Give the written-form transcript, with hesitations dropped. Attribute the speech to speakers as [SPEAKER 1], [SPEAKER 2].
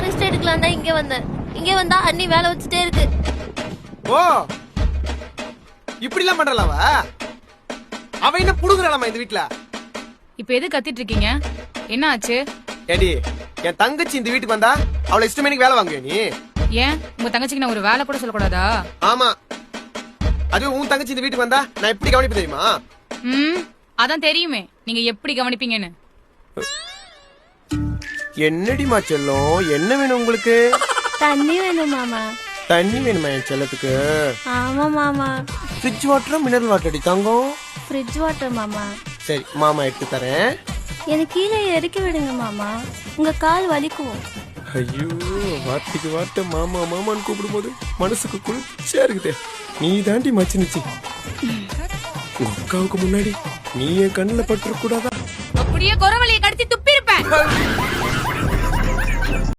[SPEAKER 1] Rest எடுக்கலாம் தான் இங்க வந்தேன். இங்க வந்தா அண்ணி வேலை வச்சுட்டே இருக்கு.
[SPEAKER 2] ஓ இப்படி எல்லாம் பண்றலாவ? அவ என்ன புடுங்குறாளாமா இந்த வீட்டுல?
[SPEAKER 3] இப்ப எது கத்திட்டு இருக்கீங்க? என்ன ஆச்சு?
[SPEAKER 2] ஏடி என் தங்கச்சி இந்த வீட்டுக்கு வந்தா அவளை இஷ்டமேனிக்கு வேலை வாங்குவே நீ?
[SPEAKER 3] ஏன் உங்க தங்கச்சிக்கு நான் ஒரு வேலை கூட சொல்லக்கூடாதா?
[SPEAKER 2] ஆமா, அதுவும் உன் தங்கச்சி இந்த வீட்டுக்கு வந்தா நான் எப்படி கவனிப்பு தெரியுமா?
[SPEAKER 3] அதான் தெரியுமே நீங்க எப்படி கவனிப்பீங்கன்னு.
[SPEAKER 2] என்னடிமா செல்லம், என்ன வேணும் உங்களுக்கு?
[SPEAKER 1] தண்ணி வேணும் மாமா.
[SPEAKER 2] தண்ணி வேணுமா என் செல்லத்துக்கு?
[SPEAKER 1] ஆமா மாமா.
[SPEAKER 2] ஃப்ரிட்ஜ் வாட்டரா மினரல் வாட்டர் அடி தங்கம்?
[SPEAKER 1] ஃப்ரிட்ஜ் வாட்டர் மாமா.
[SPEAKER 2] சரி மாமா எடுத்து தரேன்.
[SPEAKER 1] எனக்கு கீழே இறக்கி விடுங்க மாமா, உங்க கால் வலிக்கும்.
[SPEAKER 2] ஐயோ, வார்த்தைக்கு வார்த்தை மாமா மாமான்னு கூப்பிடும் போது மனசுக்கு குளிர்ச்சியா இருக்குதே. நீ தாண்டி மச்சினுச்சு. உங்க அக்காவுக்கு முன்னாடி நீ என் கண்ணுல பட்டு கூடாதா?
[SPEAKER 3] அப்படியே குரவழியை கடிச்சு துப்பி இருப்பேன்.